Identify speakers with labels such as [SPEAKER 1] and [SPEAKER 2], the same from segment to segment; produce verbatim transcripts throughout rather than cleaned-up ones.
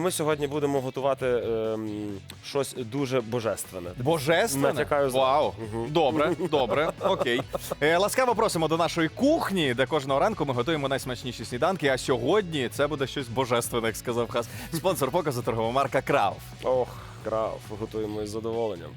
[SPEAKER 1] ми сьогодні будемо готувати ем, щось дуже божественне.
[SPEAKER 2] Божественне?
[SPEAKER 1] Натякаю за-
[SPEAKER 2] Вау.
[SPEAKER 1] Мгм.
[SPEAKER 2] Добре, добре, окей. Е, ласкаво просимо до нашої кухні, де кожного ранку ми готуємо найсмачніші сніданки, а сьогодні це буде щось божественне, як сказав Хас. Спонсор показу торгова марка Крав.
[SPEAKER 1] Ох, крав, готуємо із задоволенням.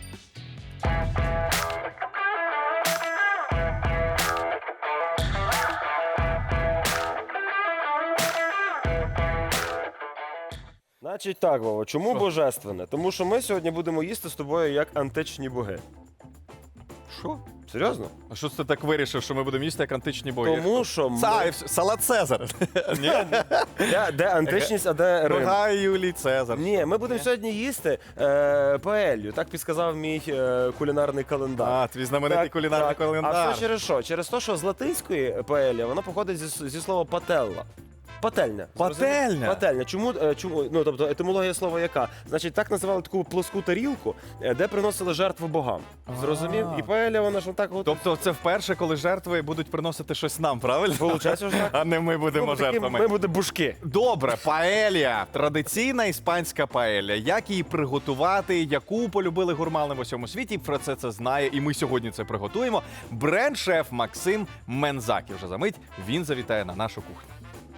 [SPEAKER 1] Значить так, Вова, чому
[SPEAKER 2] Що?
[SPEAKER 1] божественне? Тому що ми сьогодні будемо їсти з тобою як античні боги.
[SPEAKER 2] Що?
[SPEAKER 1] Серйозно?
[SPEAKER 2] А що ти так вирішив, що ми будемо їсти як античні бої?
[SPEAKER 1] Тому що ми...
[SPEAKER 2] Це, салат Цезар. Ні?
[SPEAKER 1] де, де античність, а де Рим?
[SPEAKER 2] Нога Юлій Цезар.
[SPEAKER 1] Ні, ми будемо сьогодні їсти е, паелью, так підсказав мій е, кулінарний календар.
[SPEAKER 2] А, твій знаменитий
[SPEAKER 1] Так,
[SPEAKER 2] кулінарний
[SPEAKER 1] так.
[SPEAKER 2] календар.
[SPEAKER 1] А все через що? Через те, що з латинської паелія, вона походить зі, зі слова пателла. Пательня.
[SPEAKER 2] Пательня?
[SPEAKER 1] Пательня. Чому, е, чому, ну, тобто, етимологія слова яка? Значить, так називали таку плоску тарілку, е, де приносили жертву богам. Зрозумів?
[SPEAKER 2] А.
[SPEAKER 1] І паелія, вона ж так от...
[SPEAKER 2] Тобто це вперше, коли жертви будуть приносити щось нам, правильно?
[SPEAKER 1] Получається ж так.
[SPEAKER 2] А не ми будемо
[SPEAKER 1] Ну, такі
[SPEAKER 2] жертвами.
[SPEAKER 1] Ми будемо бушки.
[SPEAKER 2] Добре, паелія. Традиційна іспанська паелія. Як її приготувати, яку полюбили гурмани в усьому світі, про це це знає, і ми сьогодні це приготуємо. Бренд-шеф Максим Мензак. І вже за мить він завітає на нашу кухню.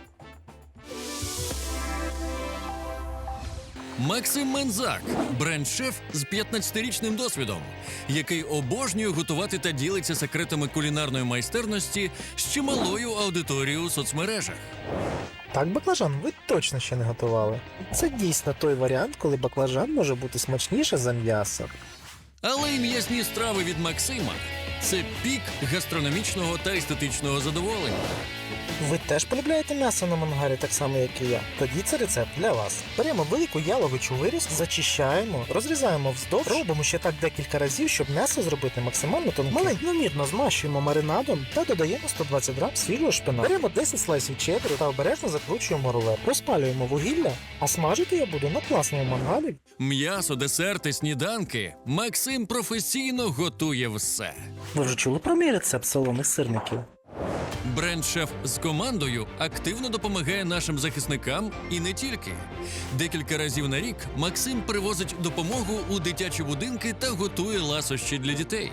[SPEAKER 3] Максим Мензак – бренд-шеф з п'ятнадцятирічним досвідом, який обожнює готувати та ділиться секретами кулінарної майстерності з чималою аудиторією у соцмережах.
[SPEAKER 4] Так, баклажан ви точно ще не готували. Це дійсно той варіант, коли баклажан може бути смачніше за м'ясо.
[SPEAKER 3] Але й м'ясні страви від Максима – це пік гастрономічного та естетичного задоволення.
[SPEAKER 4] Ви теж полюбляєте м'ясо на мангарі так само, як і я? Тоді це рецепт для вас. Беремо велику яловичу вирізку, зачищаємо, розрізаємо вздовж, робимо ще так декілька разів, щоб м'ясо зробити максимально тонким. Маленькомірно змащуємо маринадом та додаємо сто двадцять грам свіжого шпинату. Беремо десять слайсів чеддеру та обережно закручуємо рулет. Розпалюємо вугілля, а смажити я буду на класному мангалі.
[SPEAKER 3] М'ясо, десерти, сніданки – Максим професійно готує все.
[SPEAKER 4] Ви вже чули про мій рецепт солоних сирників?
[SPEAKER 3] Бренд-шеф з командою активно допомагає нашим захисникам і не тільки. Декілька разів на рік Максим привозить допомогу у дитячі будинки та готує ласощі для дітей.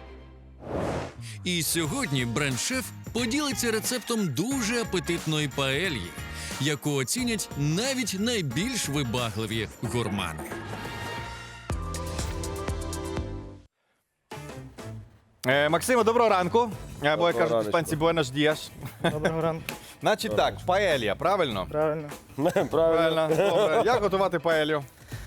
[SPEAKER 3] І сьогодні бренд-шеф поділиться рецептом дуже апетитної паельї, яку оцінять навіть найбільш вибагливі гурмани.
[SPEAKER 2] Е, Максиме, доброго ранку. Або, як
[SPEAKER 1] Доброго
[SPEAKER 2] кажуть
[SPEAKER 1] раночку.
[SPEAKER 2] іспанці, буенос діас.
[SPEAKER 5] Доброго ранку.
[SPEAKER 2] Значить так, паелія, правильно?
[SPEAKER 5] Правильно.
[SPEAKER 1] Правильно.
[SPEAKER 2] Правильно, добре. Як готувати паелью?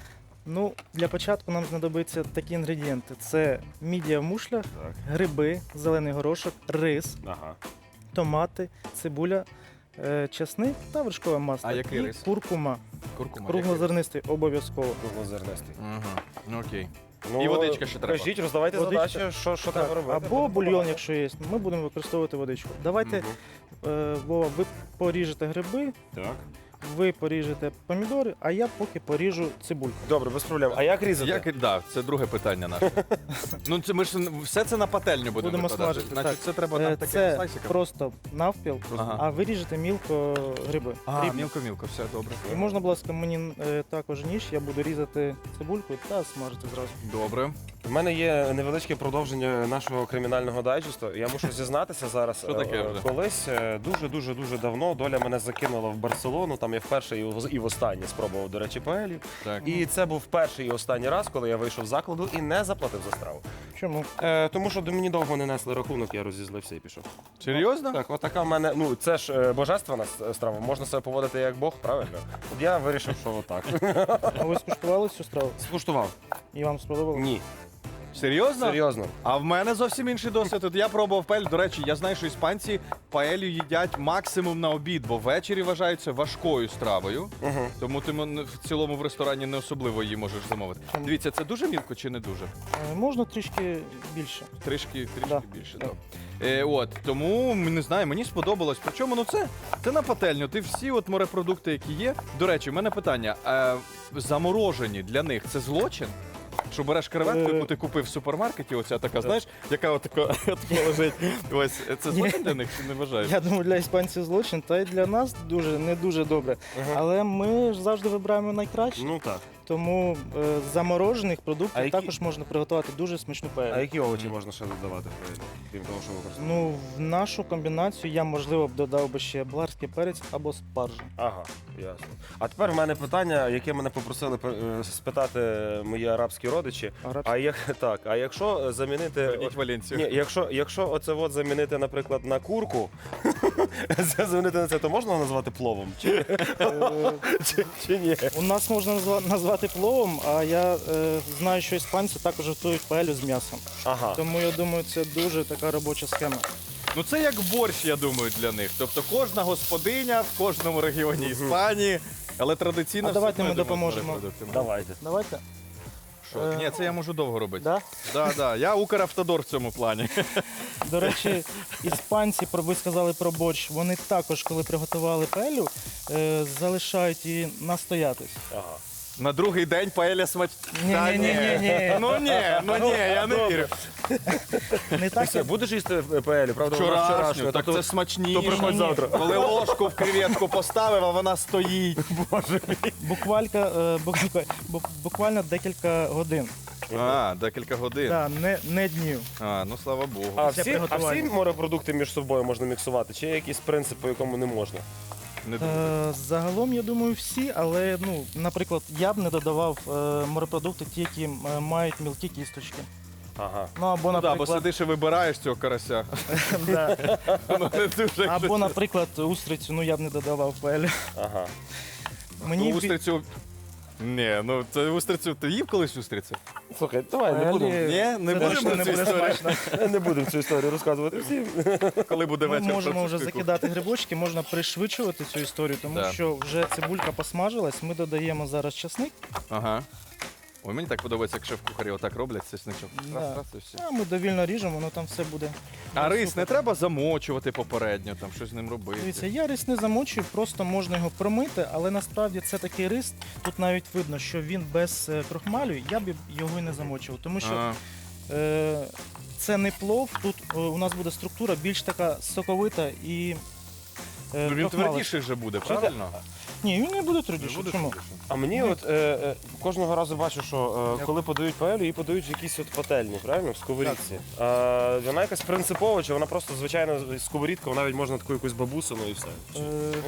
[SPEAKER 5] Ну, для початку нам знадобиться такі інгредієнти: це мідія в мушлях,
[SPEAKER 1] Так.
[SPEAKER 5] гриби, зелений горошок, рис,
[SPEAKER 1] Ага.
[SPEAKER 5] томати, цибуля, е, часник та вершкове масло.
[SPEAKER 2] А який
[SPEAKER 5] і
[SPEAKER 2] рис?
[SPEAKER 5] куркума.
[SPEAKER 2] Куркума.
[SPEAKER 5] Круглозернистий обов'язково.
[SPEAKER 1] Круглозернистий.
[SPEAKER 2] Угу. Окей.
[SPEAKER 1] Ну,
[SPEAKER 2] І водичка ще треба.
[SPEAKER 1] Кажіть, роздавайте
[SPEAKER 5] Водичка.
[SPEAKER 1] задачі, що, що
[SPEAKER 5] Так,
[SPEAKER 1] треба робити.
[SPEAKER 5] або бульйон, якщо є. Ми будемо використовувати водичку. Давайте,
[SPEAKER 1] Мгм.
[SPEAKER 5] е, Вова, ви поріжете гриби,
[SPEAKER 1] Так.
[SPEAKER 5] ви поріжете помідори, а я поки поріжу цибульку.
[SPEAKER 1] Добре, без проблем. А як різати?
[SPEAKER 2] Як, да, це друге питання наше. Ну, це ми ж все це на пательню будемо
[SPEAKER 5] Будемо
[SPEAKER 2] викладати.
[SPEAKER 5] смажити,
[SPEAKER 2] Значить,
[SPEAKER 5] так.
[SPEAKER 2] це треба
[SPEAKER 5] Е,
[SPEAKER 2] нам таким
[SPEAKER 5] Це
[SPEAKER 2] слайсиком.
[SPEAKER 5] просто навпіл,
[SPEAKER 2] Ага.
[SPEAKER 5] а ви ріжете мілко гриби.
[SPEAKER 2] А,
[SPEAKER 5] Дрібно.
[SPEAKER 2] мілко-мілко, все добре.
[SPEAKER 5] І можна, будь ласка, мені е, також ніж, я буду різати цибульку та смажити зразу.
[SPEAKER 2] Добре.
[SPEAKER 1] У мене є невеличке продовження нашого кримінального дайджесту. Я мушу зізнатися зараз.
[SPEAKER 2] Що таке
[SPEAKER 1] Е,
[SPEAKER 2] вже?
[SPEAKER 1] Колись е, дуже-дуже дуже давно доля мене закинула в Барселону. Там я вперше і в- і востаннє спробував, до речі, паелью.
[SPEAKER 2] Так.
[SPEAKER 1] І це був перший і останній раз, коли я вийшов з закладу і не заплатив за страву.
[SPEAKER 5] Чому?
[SPEAKER 1] Е, тому що до мені довго не несли рахунок, я розізлився і пішов.
[SPEAKER 2] Серйозно?
[SPEAKER 1] Так, отака в мене. Ну це ж е, божественна с- страва. Можна себе поводити як Бог, правильно? От я вирішив, що отак.
[SPEAKER 5] А ви скуштували цю страву?
[SPEAKER 1] Скуштував?
[SPEAKER 5] І вам сподобалося?
[SPEAKER 1] Ні.
[SPEAKER 2] Серйозно?
[SPEAKER 1] Серйозно.
[SPEAKER 2] А в мене зовсім інший досвід. От я пробував паелью. До речі, я знаю, що іспанці паелью їдять максимум на обід, бо ввечері вважаються важкою стравою.
[SPEAKER 1] Угу.
[SPEAKER 2] Тому ти м- в цілому в ресторані не особливо її можеш замовити. Дивіться, це дуже мілко чи не дуже?
[SPEAKER 5] Е, Можна трішки більше.
[SPEAKER 2] Трішки, трішки
[SPEAKER 5] Да.
[SPEAKER 2] більше.
[SPEAKER 5] Да.
[SPEAKER 2] Да. Е, от, тому не знаю, мені сподобалось. Причому ну це, це на пательню. Ти всі от морепродукти, які є. До речі, в мене питання: е, заморожені для них це злочин? Що береш креветку,
[SPEAKER 5] Е.
[SPEAKER 2] яку ти купив в супермаркеті, оця така, знаєш, яка отака, отака лежить. Ось, це злочин для них чи не вважаєш?
[SPEAKER 5] Я думаю, для іспанців злочин, та й для нас дуже не дуже добре.
[SPEAKER 1] Ага.
[SPEAKER 5] Але ми ж завжди вибираємо найкраще.
[SPEAKER 1] Ну так.
[SPEAKER 5] Тому е, з заморожених продуктів
[SPEAKER 1] А які-
[SPEAKER 5] також можна приготувати дуже смачну
[SPEAKER 1] А
[SPEAKER 5] паелю.
[SPEAKER 1] які овочі можна ще додавати, крім того, що використовуєте?
[SPEAKER 5] Ну, в нашу комбінацію я, можливо, б додав би ще болгарський перець або спаржу.
[SPEAKER 1] Ага, ясно. А тепер в мене питання, яке мене попросили е, спитати мої арабські родичі.
[SPEAKER 5] Арабський.
[SPEAKER 1] А як так? А якщо замінити
[SPEAKER 2] Верніть Валенцію.
[SPEAKER 1] Ні, якщо, якщо оце от замінити, наприклад, на курку, це замінити на це, то можна назвати пловом? Чи,
[SPEAKER 5] Е,
[SPEAKER 1] чи, чи ні?
[SPEAKER 5] У нас можна назва- назвати пловом, а я е, знаю, що іспанці також готують паелю з м'ясом.
[SPEAKER 1] Ага.
[SPEAKER 5] Тому я думаю, це дуже така робоча схема.
[SPEAKER 2] Ну це як борщ, я думаю, для них. Тобто кожна господиня в кожному регіоні Іспанії, але традиційно...
[SPEAKER 5] А
[SPEAKER 2] все
[SPEAKER 5] давайте ми
[SPEAKER 2] одно йдемо з
[SPEAKER 5] допоможемо.
[SPEAKER 2] морепродуктами.
[SPEAKER 1] Давайте.
[SPEAKER 5] Давайте.
[SPEAKER 2] Що?
[SPEAKER 5] Е.
[SPEAKER 2] Ні, це я можу довго робити.
[SPEAKER 5] Да?
[SPEAKER 2] Да, да. Я Укравтодор в цьому плані.
[SPEAKER 5] До речі, іспанці, про- ви сказали про борщ, вони також, коли приготували паелю, е, залишають її настоятись.
[SPEAKER 1] Ага.
[SPEAKER 2] На другий день паеля смач...
[SPEAKER 5] Ні,
[SPEAKER 2] Та
[SPEAKER 5] ні, ні, ні, ні.
[SPEAKER 2] Ну ні, ну ні, я не вірю.
[SPEAKER 5] Не так,
[SPEAKER 1] Все,
[SPEAKER 5] як
[SPEAKER 1] будеш їсти паелю, правда? вона
[SPEAKER 2] Вчорашню,
[SPEAKER 1] вчорашня,
[SPEAKER 2] так
[SPEAKER 1] то-
[SPEAKER 2] це смачніше.
[SPEAKER 1] то приходь завтра.
[SPEAKER 2] Коли ложку в креветку поставив, а вона стоїть.
[SPEAKER 5] буквалька, е, бу- бу- буквально декілька годин.
[SPEAKER 2] А, декілька годин.
[SPEAKER 5] Да, не, не днів.
[SPEAKER 2] А, ну слава Богу.
[SPEAKER 1] А
[SPEAKER 5] Після
[SPEAKER 1] всі, а всі
[SPEAKER 5] приготування.
[SPEAKER 1] морепродукти між собою можна міксувати? Чи є якийсь принцип, по якому не можна?
[SPEAKER 2] Не думаю.
[SPEAKER 5] Е, загалом, я думаю, всі, але, ну, наприклад, я б не додавав е, морепродукти, ті, які е, мають мілкі кісточки.
[SPEAKER 1] Ага.
[SPEAKER 5] Ну, або,
[SPEAKER 2] Ну, да, бо
[SPEAKER 5] наприклад,
[SPEAKER 2] сидиш і вибираєш цього карася.
[SPEAKER 5] да.
[SPEAKER 2] Воно не дуже.
[SPEAKER 5] або, наприклад, устрицю, ну я б не додавав в паелю.
[SPEAKER 1] Ага.
[SPEAKER 5] Мені
[SPEAKER 2] Ну,
[SPEAKER 5] бі-
[SPEAKER 2] устрицю... Ні, ну це устрицю. Ти їв колись устрицю?
[SPEAKER 1] Слухай, давай не
[SPEAKER 5] Паелі
[SPEAKER 1] будемо.
[SPEAKER 2] Ні, не
[SPEAKER 5] це
[SPEAKER 2] будемо
[SPEAKER 5] точно не
[SPEAKER 2] цю
[SPEAKER 5] буде
[SPEAKER 2] історію.
[SPEAKER 5] смачно.
[SPEAKER 1] Не будемо цю історію розказувати всім.
[SPEAKER 2] Коли буде
[SPEAKER 5] Ми
[SPEAKER 2] вечір.
[SPEAKER 5] можемо вже
[SPEAKER 2] французької
[SPEAKER 5] закидати грибочки, можна пришвидшувати цю історію, тому
[SPEAKER 2] Да.
[SPEAKER 5] що вже цибулька посмажилась, ми додаємо зараз часник,
[SPEAKER 2] кухні. Ага. Ой, мені так подобається, як шеф-кухарі отак роблять чесничок.
[SPEAKER 5] Да.
[SPEAKER 2] Раз, раз і все.
[SPEAKER 5] а ми довільно ріжемо, воно там все буде.
[SPEAKER 2] А
[SPEAKER 5] Ну,
[SPEAKER 2] рис
[SPEAKER 5] супер.
[SPEAKER 2] не треба замочувати попередньо, там щось з ним робити.
[SPEAKER 5] Дивіться, я рис не замочую, просто можна його промити, але насправді це такий рис, тут навіть видно, що він без е, крохмалю, я б його і не замочував, тому що
[SPEAKER 2] А,
[SPEAKER 5] е, це не плов, тут е, у нас буде структура більш така соковита і е,
[SPEAKER 2] ну, він
[SPEAKER 5] крохмалиста.
[SPEAKER 2] твердіший вже буде, правильно?
[SPEAKER 5] Ні, він не буде
[SPEAKER 2] Не
[SPEAKER 5] твердіший.
[SPEAKER 2] буде
[SPEAKER 5] Чому?
[SPEAKER 2] твердішим?
[SPEAKER 1] А мені от е, е, кожного разу бачу, що е, коли подають паелю, її подають в якійсь от пательні, правильно? В сковорідці. А, вона якась принципова, чи вона просто звичайна сковорідка, вона навіть можна таку якусь бабусину і все.
[SPEAKER 5] Е,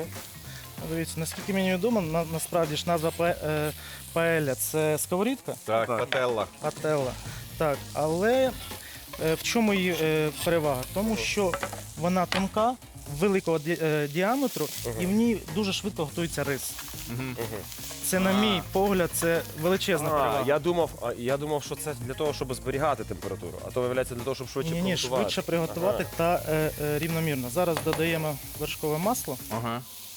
[SPEAKER 5] Дивіться, наскільки мені відомо, на, насправді ж назва пе- е, паеля це сковорідка,
[SPEAKER 2] Так,
[SPEAKER 1] Так.
[SPEAKER 2] пателла.
[SPEAKER 5] пателла. Так, але е, в чому її е, перевага? Тому що вона тонка, великого ді- е, діаметру, і в ній дуже швидко готується рис.
[SPEAKER 2] Мгм.
[SPEAKER 5] Це, на мій погляд, це величезна
[SPEAKER 1] А,
[SPEAKER 5] перевага.
[SPEAKER 1] я думав, а, я думав, що це для того, щоб зберігати температуру, а то виявляється для того, щоб швидше
[SPEAKER 5] Ні, ні,
[SPEAKER 1] приготувати.
[SPEAKER 5] швидше приготувати та е, е, рівномірно. Зараз додаємо вершкове масло.
[SPEAKER 2] Ага.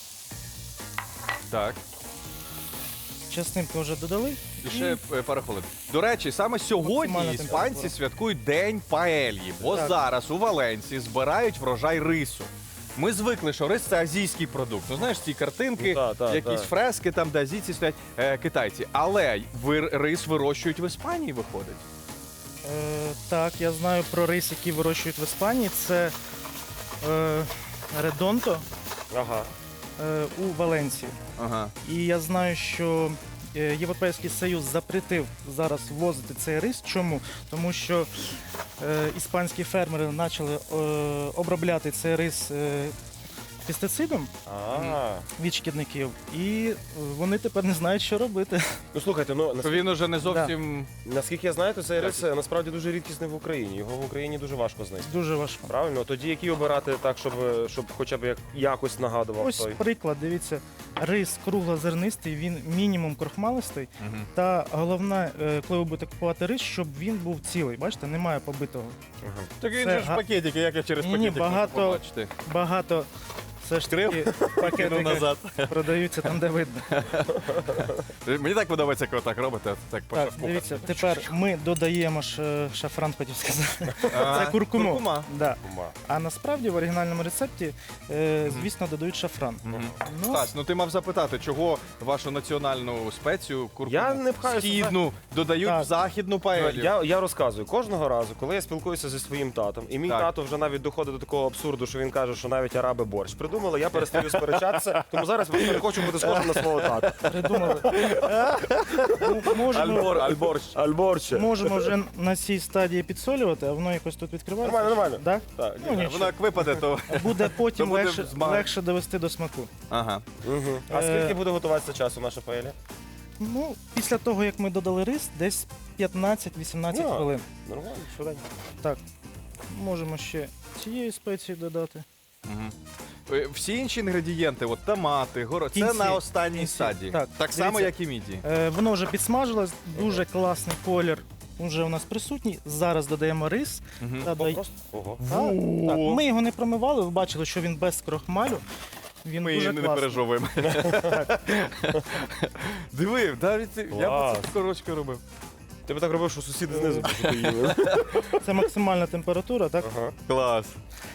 [SPEAKER 2] Так.
[SPEAKER 5] Часнинку вже додали.
[SPEAKER 2] І ще е, пару хвилин. До речі, саме сьогодні
[SPEAKER 5] Максимальна
[SPEAKER 2] іспанці
[SPEAKER 5] температура.
[SPEAKER 2] святкують День паельї, бо
[SPEAKER 5] Так.
[SPEAKER 2] зараз у Валенції збирають врожай рису. Ми звикли, що рис це азійський продукт. Ну знаєш, ці картинки,
[SPEAKER 1] Ну, та, та,
[SPEAKER 2] якісь
[SPEAKER 1] та.
[SPEAKER 2] фрески, там, де азійці стоять е, китайці. Але ви, рис вирощують в Іспанії, виходить.
[SPEAKER 5] Е, так, я знаю про рис, який вирощують в Іспанії. Це е, редонто
[SPEAKER 1] Ага.
[SPEAKER 5] е, у Валенції.
[SPEAKER 2] Ага.
[SPEAKER 5] І я знаю, що е, Європейський Союз запретив зараз ввозити цей рис. Чому? Тому що е, іспанські фермери почали е, обробляти цей рис е, пестицидом
[SPEAKER 1] А.
[SPEAKER 5] від шкідників, і е, вони тепер не знають, що робити.
[SPEAKER 1] Ну слухайте, ну
[SPEAKER 2] Що
[SPEAKER 1] наскільки,
[SPEAKER 2] він уже не зовсім.
[SPEAKER 1] наскільки я знаю, то цей рис е, насправді дуже рідкісний в Україні. Його в Україні дуже важко знайти.
[SPEAKER 5] Дуже важко.
[SPEAKER 1] Правильно? Тоді які обирати так, щоб, е, щоб хоча б як, якось нагадував
[SPEAKER 5] Ось
[SPEAKER 1] той.
[SPEAKER 5] приклад, дивіться, рис круглозернистий, він мінімум крохмалистий.
[SPEAKER 2] Мгм.
[SPEAKER 5] Та головне, е, коли ви будете купувати рис, щоб він був цілий. Бачите, немає побитого.
[SPEAKER 1] Ага.
[SPEAKER 2] Так він
[SPEAKER 5] Це
[SPEAKER 2] же ж
[SPEAKER 5] га-
[SPEAKER 2] пакетики, як я через
[SPEAKER 5] Ні-ні,
[SPEAKER 2] пакетик можу
[SPEAKER 5] багато-
[SPEAKER 2] побачити.
[SPEAKER 5] Багато Все ж таки пакетики
[SPEAKER 2] назад.
[SPEAKER 5] продаються там, де видно.
[SPEAKER 2] Мені так подобається, коли так робите. Так, по
[SPEAKER 5] Так,
[SPEAKER 2] шеф-кухарськи.
[SPEAKER 5] дивіться, тепер ми додаємо ж е, шафран, хотів сказати.
[SPEAKER 2] А,
[SPEAKER 5] Це куркуму.
[SPEAKER 2] куркума.
[SPEAKER 5] Да.
[SPEAKER 1] Кума.
[SPEAKER 5] А насправді в оригінальному рецепті, е, звісно, додають шафран.
[SPEAKER 2] Мгм.
[SPEAKER 5] Ну,
[SPEAKER 2] Стась, ну ти мав запитати, чого вашу національну спецію куркуму
[SPEAKER 1] Я не пхаюся,
[SPEAKER 2] східну додають
[SPEAKER 5] Так.
[SPEAKER 2] в західну паелю?
[SPEAKER 1] Я, я розказую, кожного разу, коли я спілкуюся зі своїм татом, і мій
[SPEAKER 2] Так.
[SPEAKER 1] тато вже навіть доходить до такого абсурду, що він каже, що навіть араби борщ придумали, я перестаю сперечатися, тому зараз я не хочу бути схожим на свого тата.
[SPEAKER 5] придумали. Ну, можемо,
[SPEAKER 1] Альборщ. Альборще.
[SPEAKER 5] можемо вже на цій стадії підсолювати, а воно якось тут відкривається.
[SPEAKER 1] Нормально, нормально.
[SPEAKER 5] Да?
[SPEAKER 1] Так,
[SPEAKER 5] Ну,
[SPEAKER 1] ні.
[SPEAKER 5] ні.
[SPEAKER 2] Воно як випаде, то...
[SPEAKER 5] Буде потім
[SPEAKER 2] То буде
[SPEAKER 5] легше,
[SPEAKER 2] змаг.
[SPEAKER 5] легше довести до смаку.
[SPEAKER 2] Ага.
[SPEAKER 1] Мгм. А
[SPEAKER 5] Е,
[SPEAKER 1] скільки буде готуватися часу наша паеля?
[SPEAKER 5] Ну, після того, як ми додали рис, десь п'ятнадцять-вісімнадцять
[SPEAKER 1] Ну.
[SPEAKER 5] хвилин.
[SPEAKER 1] Нормально, швиденько.
[SPEAKER 5] Так, можемо ще цієї спеції додати.
[SPEAKER 2] Мгм. Е, Всі інші інгредієнти, от томати, горо, це
[SPEAKER 5] Кінці.
[SPEAKER 2] на останній
[SPEAKER 5] Кінці.
[SPEAKER 2] стадії.
[SPEAKER 5] Так,
[SPEAKER 2] Так само,
[SPEAKER 5] дивіться.
[SPEAKER 2] як і міді.
[SPEAKER 5] Е, воно вже підсмажилось, дуже класний колір вже у нас присутній. Зараз додаємо рис.
[SPEAKER 2] Мгм.
[SPEAKER 5] Та,
[SPEAKER 1] О,
[SPEAKER 5] дай-
[SPEAKER 1] просто. Ого.
[SPEAKER 5] Так, так. Ми його не промивали, ви бачили, що він без крохмалю. Він
[SPEAKER 2] Ми
[SPEAKER 5] дуже
[SPEAKER 2] не
[SPEAKER 5] класний.
[SPEAKER 2] пережовуємо. Диви, навіть я б
[SPEAKER 1] Клас.
[SPEAKER 2] це скорочку робив.
[SPEAKER 1] Ти б так робив, що сусіди знизу б що ти їли.
[SPEAKER 5] Це максимальна температура, так?
[SPEAKER 1] Ага.
[SPEAKER 2] Клас.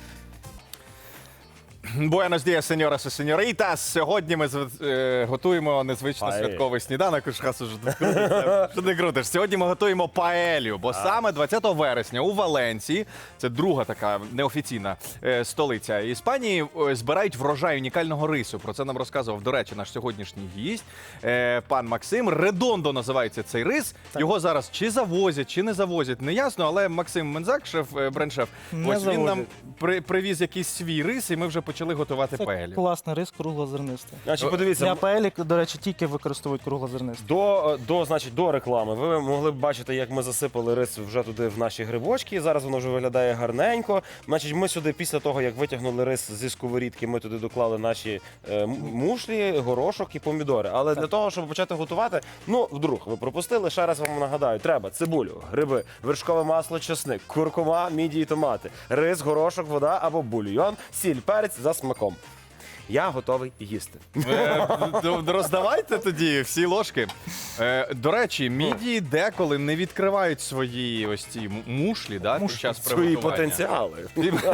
[SPEAKER 2] Буенос діас, сеньорас і сеньоритас. Сьогодні ми зв- е, готуємо незвично
[SPEAKER 1] Паель.
[SPEAKER 2] святковий сніданок. Уж хас уже тут крутиться. Що ти крутиш? Сьогодні ми готуємо паелю, бо саме двадцятого вересня у Валенції, це друга така неофіційна е, столиця Іспанії, е, збирають врожай унікального рису. Про це нам розказував, до речі, наш сьогоднішній гість, е, пан Максим. Редондо називається цей рис. Його зараз чи завозять, чи не завозять, не ясно, але Максим Мензак, шеф, е, бренд-шеф,
[SPEAKER 5] Не
[SPEAKER 2] ось він нам
[SPEAKER 5] завозять.
[SPEAKER 2] при, привіз якийсь свій рис, і ми вже почали готувати
[SPEAKER 5] Це
[SPEAKER 2] паелю.
[SPEAKER 5] класний рис круглозернистий.
[SPEAKER 1] Значить,
[SPEAKER 5] Для
[SPEAKER 1] подивіться,
[SPEAKER 5] паелі, до речі, тільки використовують круглозернистий.
[SPEAKER 1] До, до, значить, до реклами ви могли б бачити, як ми засипали рис вже туди в наші грибочки. Зараз воно вже виглядає гарненько. Значить, ми сюди, після того, як витягнули рис зі сковорідки, ми туди доклали наші е, м- мушлі, горошок і помідори. Але для того, щоб почати готувати, ну, вдруг ви пропустили, ще раз вам нагадаю, треба цибулю, гриби, вершкове масло, чесник, куркума, міді і томати, рис, горошок, вода або бульйон, сіль, перець за смаком. Я готовий їсти.
[SPEAKER 2] Е, д- Роздавайте тоді всі ложки. Е, До речі, мідії деколи не відкривають свої ось ці м- мушлі, да, під час
[SPEAKER 1] Свої
[SPEAKER 2] приготування.
[SPEAKER 1] потенціали.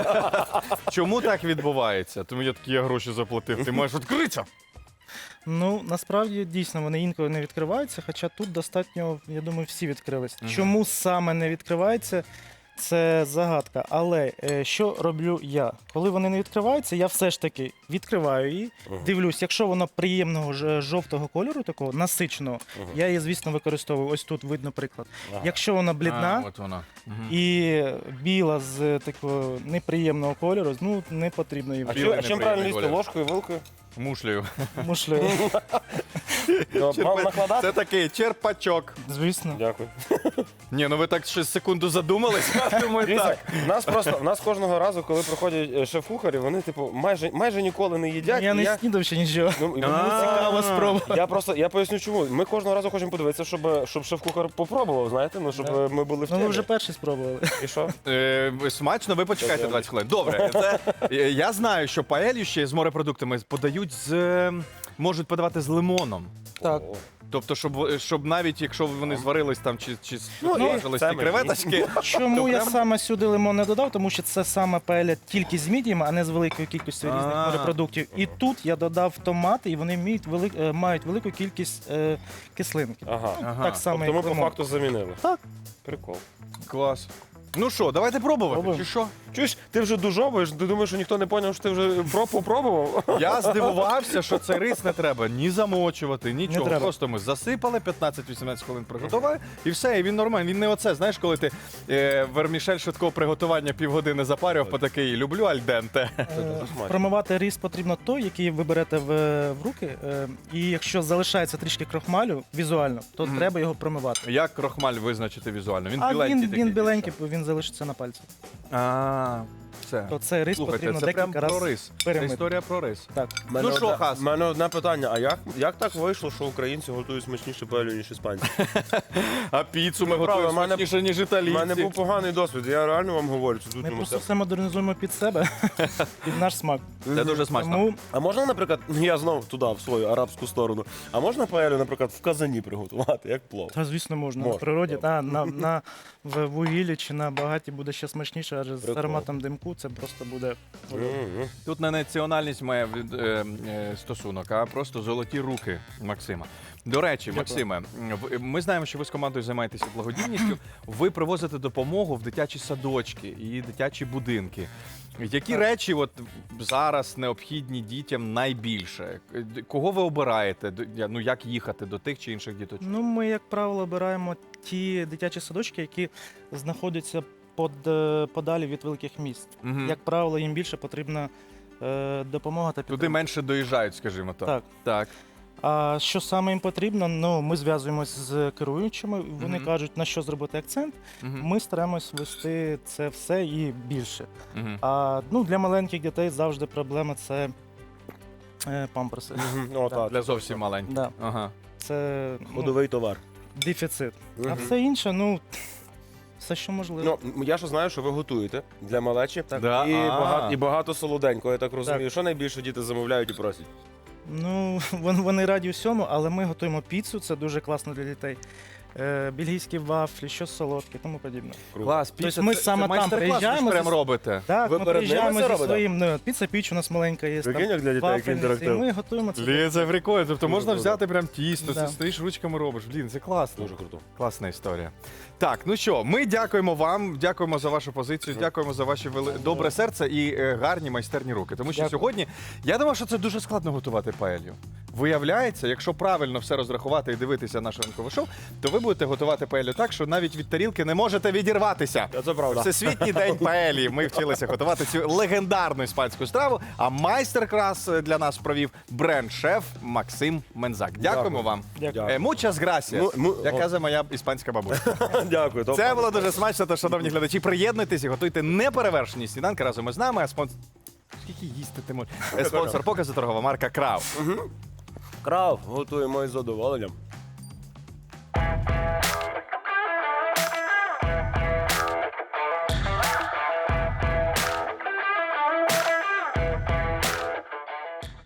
[SPEAKER 2] Чому так відбувається? Тому я такі я гроші заплатив. Ти маєш відкритися.
[SPEAKER 5] Ну, насправді, дійсно, вони інколи не відкриваються, хоча тут достатньо, я думаю, всі відкрились. Чому саме не відкривається, це загадка. Але е, що роблю я? Коли вони не відкриваються, я все ж таки відкриваю її, дивлюсь, якщо вона приємного ж- жовтого кольору, такого насиченого, я її, звісно, використовую. Ось тут видно приклад.
[SPEAKER 1] Ага.
[SPEAKER 5] Якщо вона блідна,
[SPEAKER 2] А, от вона. Мгм.
[SPEAKER 5] і біла з такого неприємного кольору, ну не потрібно її
[SPEAKER 1] А,
[SPEAKER 2] Білий
[SPEAKER 1] чим, а чим
[SPEAKER 2] неприємний
[SPEAKER 1] правильно їсти?
[SPEAKER 2] колір.
[SPEAKER 1] Ложкою, вилкою?
[SPEAKER 2] Мушлею.
[SPEAKER 5] мушлею.
[SPEAKER 1] Вам накладати?
[SPEAKER 2] Це такий черпачок.
[SPEAKER 5] Звісно.
[SPEAKER 1] Дякую.
[SPEAKER 2] Ні, ну ви так ще секунду задумались. Я думаю,
[SPEAKER 1] Дивіться,
[SPEAKER 2] так.
[SPEAKER 1] в нас просто в нас кожного разу, коли приходять е, шеф-кухарі, вони типу майже майже ніколи не їдять.
[SPEAKER 5] Я
[SPEAKER 1] і
[SPEAKER 5] не снідав ще нічого.
[SPEAKER 1] ну, і
[SPEAKER 2] А.
[SPEAKER 1] мені
[SPEAKER 5] Цікаво спробувати.
[SPEAKER 1] Я просто я поясню, чому. Ми кожного разу хочемо подивитися, щоб, щоб шеф-кухар попробував, знаєте, ну щоб
[SPEAKER 5] Да.
[SPEAKER 1] е, ми були в
[SPEAKER 5] Ну,
[SPEAKER 1] темі.
[SPEAKER 5] ви вже перший спробували.
[SPEAKER 1] І що?
[SPEAKER 2] Е, смачно, ви почекайте двадцять хвилин. Добре, це, е, я знаю, що паелью ще з морепродуктами подають з. е, Можуть подавати з лимоном.
[SPEAKER 5] Так.
[SPEAKER 1] О.
[SPEAKER 2] Тобто, щоб, щоб навіть якщо вони зварились там чи, чи
[SPEAKER 1] Ну,
[SPEAKER 2] смажились
[SPEAKER 1] це
[SPEAKER 2] ті
[SPEAKER 1] ми
[SPEAKER 2] креветочки.
[SPEAKER 5] Чому я
[SPEAKER 2] прям-
[SPEAKER 5] саме сюди лимон не додав? Тому що це саме паеля тільки з мідіями, а не з великою кількістю різних
[SPEAKER 2] А.
[SPEAKER 5] морепродуктів. І тут я додав томати, і вони мають, велик, е, мають велику кількість е, кислинки.
[SPEAKER 1] Ага.
[SPEAKER 2] Ага.
[SPEAKER 5] Так само,
[SPEAKER 1] Тобто ми
[SPEAKER 5] як
[SPEAKER 1] по
[SPEAKER 5] лимон.
[SPEAKER 1] факту замінили.
[SPEAKER 5] Так.
[SPEAKER 1] Прикол.
[SPEAKER 2] Клас. Ну що, давайте пробувати,
[SPEAKER 5] Пробуємо.
[SPEAKER 2] чи що?
[SPEAKER 1] Чуєш, ти вже дужовуєш, ти думаєш, що ніхто не зрозумів, що ти вже про попробував?
[SPEAKER 2] Я здивувався, що цей рис не треба ні замочувати, нічого.
[SPEAKER 5] треба.
[SPEAKER 2] Просто ми засипали, п'ятнадцять-вісімнадцять хвилин приготували, і все, і він нормальний. Він не оце, знаєш, коли ти е, вермішель швидкого приготування півгодини запарював, по такий люблю альденте.
[SPEAKER 5] Е,
[SPEAKER 1] смачно.
[SPEAKER 5] Промивати рис потрібно той, який ви берете в, в руки. е, І якщо залишається трішки крохмалю візуально, то
[SPEAKER 2] Мгм.
[SPEAKER 5] треба його промивати.
[SPEAKER 2] Як крохмаль визначити візуально? Він
[SPEAKER 5] А
[SPEAKER 2] біленький
[SPEAKER 5] він,
[SPEAKER 2] такий.
[SPEAKER 5] він біленький, він залишиться на пальці.
[SPEAKER 2] А, все.
[SPEAKER 5] то цей рис
[SPEAKER 2] Слухайте,
[SPEAKER 5] потрібно
[SPEAKER 2] це прям
[SPEAKER 5] декілька
[SPEAKER 2] про
[SPEAKER 5] разів
[SPEAKER 2] рис. Це
[SPEAKER 5] перемити.
[SPEAKER 2] історія про рис.
[SPEAKER 5] Так.
[SPEAKER 2] Ну що, Хас?
[SPEAKER 1] У мене одне питання, а як, як так вийшло, що українці готують смачніше паелю, ніж іспанці?
[SPEAKER 2] А піцу ми
[SPEAKER 1] Ну, правда,
[SPEAKER 2] готуємо
[SPEAKER 1] в мене-
[SPEAKER 2] смачніше, ніж
[SPEAKER 1] У
[SPEAKER 2] італійці.
[SPEAKER 1] мене був поганий досвід, я реально вам говорю. Це тут
[SPEAKER 5] Ми
[SPEAKER 1] ну,
[SPEAKER 5] просто
[SPEAKER 1] це-
[SPEAKER 5] все модернізуємо під себе, під наш смак.
[SPEAKER 2] Це дуже смачно.
[SPEAKER 5] Тому
[SPEAKER 1] А можна, наприклад, я знову туди, в свою арабську сторону, а можна паелю, наприклад, в казані приготувати, як плов?
[SPEAKER 5] та, звісно, можна.
[SPEAKER 1] Можна,
[SPEAKER 5] На природі,
[SPEAKER 1] добре.
[SPEAKER 5] та, на, на, в вугіллі чи на багаті буде ще смачніше, адже з
[SPEAKER 1] Прикол.
[SPEAKER 5] ароматом димку це просто буде.
[SPEAKER 1] Мгм.
[SPEAKER 2] Тут не національність має від- е, е, стосунок, а просто золоті руки Максима. До речі, Максиме, в- ми знаємо, що ви з командою займаєтеся благодійністю. Ви привозите допомогу в дитячі садочки і дитячі будинки. Які
[SPEAKER 5] Так.
[SPEAKER 2] речі от зараз необхідні дітям найбільше? Кого ви обираєте? До- я- Ну як їхати до тих чи інших діточок?
[SPEAKER 5] Ну, ми, як правило, обираємо ті дитячі садочки, які знаходяться под, е, подалі від великих міст.
[SPEAKER 2] Мгм.
[SPEAKER 5] Як правило, їм більше потрібна е, допомога та
[SPEAKER 2] Туди
[SPEAKER 5] підтримка.
[SPEAKER 2] менше доїжджають, скажімо так.
[SPEAKER 5] Так.
[SPEAKER 2] Так.
[SPEAKER 5] А що саме їм потрібно? Ну, ми зв'язуємось з керуючими, вони
[SPEAKER 2] Мгм.
[SPEAKER 5] кажуть, на що зробити акцент.
[SPEAKER 2] Мгм.
[SPEAKER 5] Ми стараємось вести це все і більше.
[SPEAKER 2] Мгм.
[SPEAKER 5] А ну, для маленьких дітей завжди проблема це е, памперси.
[SPEAKER 1] Мгм. О, так.
[SPEAKER 2] Для зовсім маленьких.
[SPEAKER 5] Да.
[SPEAKER 2] Ага.
[SPEAKER 5] Це ну,
[SPEAKER 1] Ходовий товар.
[SPEAKER 5] дефіцит. А
[SPEAKER 1] Мгм.
[SPEAKER 5] все інше, ну, все, що можливо.
[SPEAKER 1] Ну, м, я ж знаю, що ви готуєте для малечі.
[SPEAKER 2] Да,
[SPEAKER 1] І,
[SPEAKER 2] а.
[SPEAKER 1] багато, і багато солоденького, я так розумію.
[SPEAKER 5] Так.
[SPEAKER 1] Що найбільше діти замовляють і просять?
[SPEAKER 5] Ну, вон- вони раді всьому, але ми готуємо піцу, це дуже класно для дітей. Е, бельгійські вафлі, що солодке, тому подібне.
[SPEAKER 2] Клас, піца,
[SPEAKER 5] ми
[SPEAKER 2] це-
[SPEAKER 5] саме
[SPEAKER 2] це
[SPEAKER 5] там
[SPEAKER 2] майстер-клас ви ж
[SPEAKER 5] приїжджаємо
[SPEAKER 2] прям
[SPEAKER 5] зі-
[SPEAKER 2] робите.
[SPEAKER 5] Так,
[SPEAKER 1] Ви
[SPEAKER 5] ми
[SPEAKER 1] перед ними
[SPEAKER 5] приїжджаємо
[SPEAKER 1] це
[SPEAKER 5] зі
[SPEAKER 1] робите?
[SPEAKER 5] своїм, ну, піца піч у нас маленька є.
[SPEAKER 1] Прикинь, як для дітей, який
[SPEAKER 5] вафельниці, і
[SPEAKER 1] інтерактив.
[SPEAKER 5] ми готуємо це.
[SPEAKER 2] Блін, це прикольно. Тобто можна
[SPEAKER 1] круто.
[SPEAKER 2] взяти прям тісто,
[SPEAKER 5] Да.
[SPEAKER 2] ти стоїш ручками робиш. Блін, це класно.
[SPEAKER 1] Дуже круто.
[SPEAKER 2] Класна історія. Так, ну що, ми дякуємо вам, дякуємо за вашу позицію, дякуємо за ваше вели... добре серце і е, гарні майстерні руки. Тому що
[SPEAKER 5] Дякую.
[SPEAKER 2] сьогодні я думав, що це дуже складно готувати паелью. Виявляється, якщо правильно все розрахувати і дивитися наше ранкове шоу, то ви будете готувати паелью так, що навіть від тарілки не можете відірватися.
[SPEAKER 1] Це правда.
[SPEAKER 2] Всесвітній день паелі. Ми вчилися готувати цю легендарну іспанську страву. А майстер-клас для нас провів бренд-шеф Максим Мензак. Дякуємо
[SPEAKER 1] Дякую.
[SPEAKER 2] вам.
[SPEAKER 5] Дякую.
[SPEAKER 2] Е, Muchas gracias,
[SPEAKER 1] Ну, ну,
[SPEAKER 2] як
[SPEAKER 1] о.
[SPEAKER 2] казала моя іспанська бабуся.
[SPEAKER 1] Дякую. топ.
[SPEAKER 2] Це було дуже смачно, тож, шановні глядачі, приєднуйтесь і готуйте неперевершені сніданки разом із нами. А спонсор... Скільки їсти ти можеш? Е, Спонсор показу торгова марка Крав.
[SPEAKER 1] Крав, готуємо із задоволенням.